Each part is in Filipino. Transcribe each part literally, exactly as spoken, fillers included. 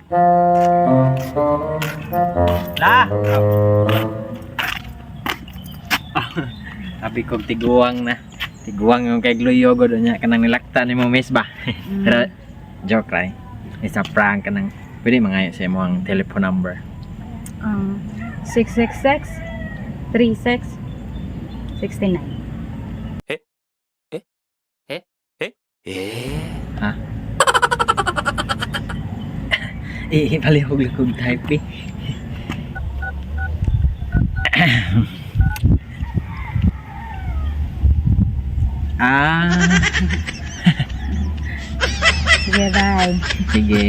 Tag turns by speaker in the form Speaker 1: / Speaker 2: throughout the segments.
Speaker 1: La! Sabi ko tiguang na. Tiguang yung kay Gloyogo doon niya. Kanang nilakta ni mo miss ba?
Speaker 2: Mm.
Speaker 1: Pero joke right? Isa prank ka ng pwede mangayo sa mo ang telephone number.
Speaker 2: Um, six six six, three six, six nine.
Speaker 1: Ha? Eh, palihog-lihog type eh. Ah,
Speaker 2: Sige, bye.
Speaker 1: sige.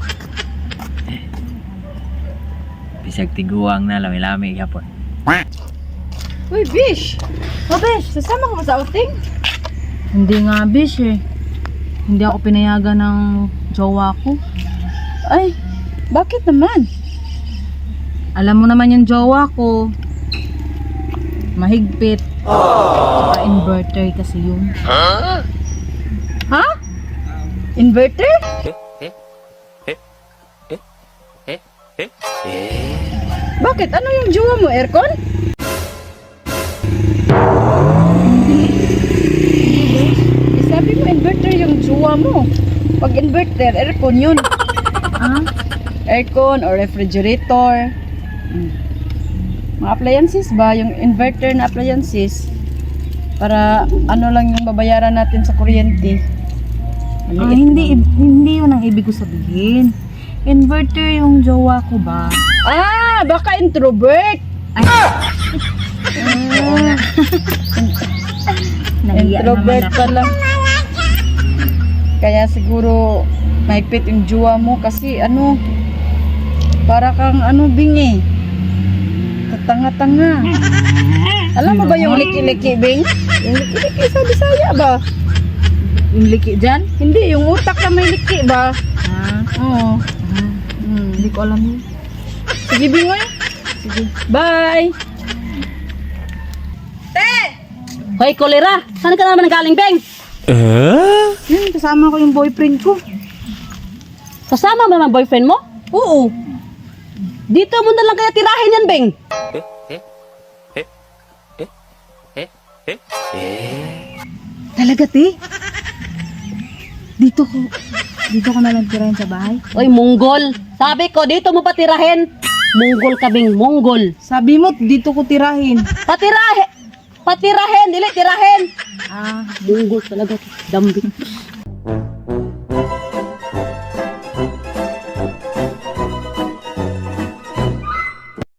Speaker 1: Bisag tiguang na lami-lami yapon.
Speaker 2: Uy, Bish! Oh, Bish, sasama ka ba sa outing? Hindi nga, Bish eh. Hindi ako pinayagan ng jowa ko. Ay, bakit naman? Alam mo naman yung jowa ko. Mahigpit. Saka inverter kasi yun. Ha? Inverter? Bakit? Ano yung jowa mo? Aircon? Eh, sabi mo inverter yung jowa mo. Pag inverter, aircon yun. Ah? Aircon or refrigerator. Hmm. Mga appliances ba? Yung inverter na appliances. Para ano lang yung babayaran natin sa kuryente.
Speaker 3: Ah, hindi, hindi yun ang ibig ko sabihin. Inverter yung jowa ko ba?
Speaker 2: Ah, baka introvert.
Speaker 3: Ay,
Speaker 2: Oo nga.
Speaker 3: nahiya
Speaker 2: Introvert
Speaker 3: naman ako.
Speaker 2: pala. Kaya siguro mahigpit yung jowa mo kasi ano, para kang ano bingi. Tatanga-tanga. Alam mo ba yung liki-liki, Bing? Yung liki-liki sa Bisaya ba?
Speaker 3: Yung liki dyan?
Speaker 2: Hindi, yung utak na may liki ba?
Speaker 3: Ah,
Speaker 2: Oo.
Speaker 3: ah,
Speaker 2: Hmm.
Speaker 3: hindi ko alam yun.
Speaker 2: Sige, Bingoy. Sige. Bye!
Speaker 3: Hoy, kolera! Saan ka naman galing, Beng?
Speaker 2: Yun, kasama ko yung boyfriend ko.
Speaker 3: Kasama mo naman boyfriend mo?
Speaker 2: Oo.
Speaker 3: Dito mo na lang kaya tirahin yan, Beng.
Speaker 2: Talaga, te? Dito ko, dito ko na lang tirahin sa bahay.
Speaker 3: Oy, Monggol. Sabi ko, dito mo pa tirahin. Monggol ka, Beng. Monggol.
Speaker 2: Sabi mo, dito ko tirahin.
Speaker 3: Patirahin! Patirahin! Dili, tirahin!
Speaker 2: Ah,
Speaker 3: Monggol talaga. Dambing.